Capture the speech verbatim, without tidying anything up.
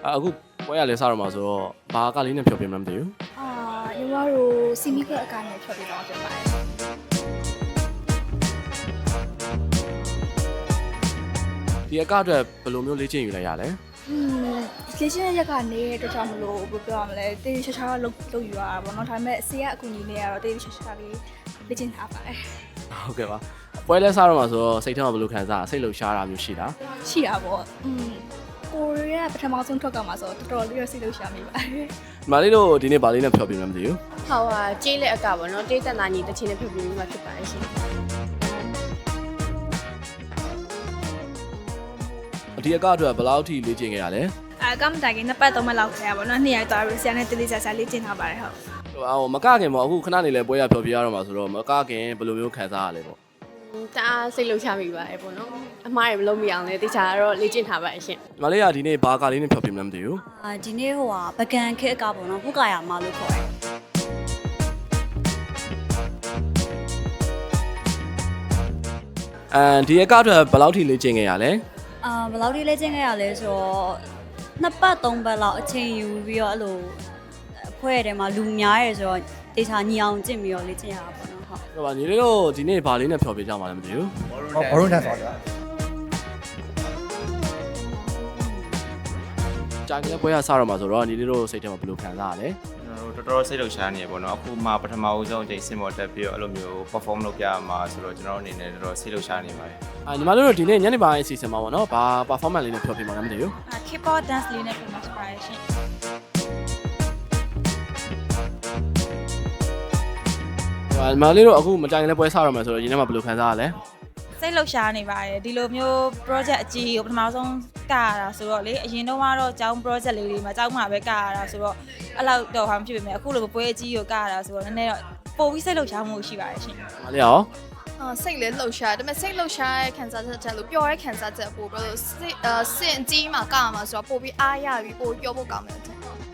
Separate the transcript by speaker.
Speaker 1: အခုပွဲရလဲစားတော့မှာဆိုတော့ဘာကလေးနဲ့ဖြောပြမှမသိဘူး
Speaker 2: အာညီမတို့စီမီကအကိုင်းနဲ့ဖြောပြတော့ဖြစ်ပါတယ်
Speaker 1: ဒီအကအတွက်ဘယ်လိုမျိုးလေ့ကျင့်ယူလိုက်ရလဲ
Speaker 2: อืมလေ့ကျင့်ရက်ကနေတော့ကြောင့်မလို့ဘယ်ပြောရမလဲတေးချာချာလုတ်လုတ်ယူရတာပေါ့နော်ဒါပေမဲ့ဆေးရအကူကြီးနဲ့ကတော့တေးချာချာလေးလေ့ကျင့်ထားပါတယ်
Speaker 1: ဟုတ်ကဲ့ပါပွဲလဲစားတော့မှာဆိုတော့စိတ်ထဲမှာဘယ်လိုခံစားစိတ်လှုပ်ရှားတာမျိုးရှိလား
Speaker 2: ရှိတာပေါ့อืมကိုရီးယားပထမဆုံးထွက်ကမှာဆိုတော့တော်တော်လေးရစိတ်လှုပ်ရှားမိပါတယ်
Speaker 1: ဒီမလေးတို့ဒီနေ့ဘာလေးနဲ့ဖြောပြမှမသိဘူး
Speaker 3: ဟောဟာကျေးလက်အကပေါ့နော်တေးတက်နာညီတချင်းနဲ့ဖြုတ်ပြပြီးမှဖြစ်ပါတယ်ရှင်
Speaker 1: ဒီအကအတွက်ဘယ်လောက်ထိလေ့ကျင့်ခဲ့ရလဲ
Speaker 2: အဲကမ်တိုင်ကနှစ်ပတ်သုံးပတ်လောက်ခဲ့ရပါတော့နှစ်ရက်သွားပြီးဆရာနဲ့တေးလေးချာချာလေ့ကျင့်ထားပါတယ်ဟုတ်
Speaker 1: ဟိုမကခင်ပေါ့အခုခဏနေလဲပွဲရဖြောပြရတော့မှာဆိုတော့မကခင်ဘယ်လိုမျိုးခံစားရလဲပေါ့
Speaker 3: တအားစိတ်လှုပ်ရှားမိပါတယ်ပေါ့နော်အမားတွေမလုံးမရအောင်လေတေချာကတော့လေ့ကျင့်ထားပါတယ်ရှင်
Speaker 1: ဒီမလေးကဒီနေ့ဘာကလေးနဲ့ဖြောပြမှမသိဘူး
Speaker 4: အာဒီနေ့ဟိုဟာပကံခက်အကပေါ့နော်ဖုတ်ကာယာမလို့ခေါ်တယ်
Speaker 1: အမ်ဒီအကအတွက်ဘယ်လောက်ထိလေ့ကျင့်ခဲ့ရလဲ
Speaker 4: အာဘယ်လောက်ထိလဲကျင့်ခဲ့ရလဲဆိုတော့နှစ်ပတ်သုံးပတ်လောက်အချိန်ယူပြီးတော့အဲ့လိုအဖွဲ့ထဲမှာလူများရဲဆိုတော့တေချာညီအောင်ကျင့်ပြီးတော့လေ့ကျင့်ရတာပေါ့နော်ဟုတ်
Speaker 1: ဟုတ်ပါညီလေးတို့ဒီနေ့ဘာလေးနဲ့ဖြောပြကြမှာလဲမသိဘူး
Speaker 5: ဟောဘောလုံးတန်းဆိုတော့
Speaker 1: ကြာကလေးပွဲရစားတော့မှာဆိုတော့ညီလေးတို့စိတ်ထဲမှာဘယ်လိုခံစားရလဲ
Speaker 6: ကျွန်တော်တို့တော်တော်စိတ်လှုပ်ရှားနေရပေါ့နော်အခုမှပထမဦးဆုံးအချိန်စင်မော်တက်ပြီးတော့အဲ့လိုမျိုး perform လုပ်ပြရမှာဆိုတော့ကျွန်တော်တို့အနေနဲ့တော်တော်စိတ်လှုပ်ရှားနေပါတယ်
Speaker 1: အာညီမတို့တို့ဒီနေ့ညနေပိုင်းအစီအစဉ်မှာပေါ့နော်ဘာ performance လေးနဲ့ဖြောပြမှာလဲမသိဘူး
Speaker 2: အာ K-pop dance လေးနဲ့ပြန်မှာပါရှင်
Speaker 1: ဟိုညီမလေးတို့အခုမကြိုင်လည်းပွဲစားတော့မှာဆိုတော့ညီထဲမှာဘယ်လိုခံစားရလဲ
Speaker 7: စိတ်လှုပ်ရှားနေပါတယ်ဒီလိုမျိုး project အကြီးကိုပထမဆုံးကရတာဆိုတော့လေအရင်တော့ကတော့ကျောင်း project လေးတွေမှာကျောင်းမှာပဲကရတာဆိုတော့အဲ့လောက်တော့ဟာမဖြစ်ပေမဲ့အခုလိုပွဲအကြီးကိုကရတာဆိုတော့နည်းနည်းတော့ပိုပြီးစိတ်လှုပ်ရှားမှုရှိပါတယ်ရှင်
Speaker 1: ညီမလေးရော
Speaker 8: အာစိတ်လည်းလှုပ်ရှားဒါပေမဲ့စိတ်လှုပ်ရှားရဲ့ခံစားချက်ချက်လို့ပျော်တဲ့ခံစားချက်ပို့ပြီးတော့စိတ်အာစင်ကြီးမှာကမှာဆိုတော့ပို့ပြီးအားရပြီးပို့ပြောဖို့ကောင်းတယ်တဲ့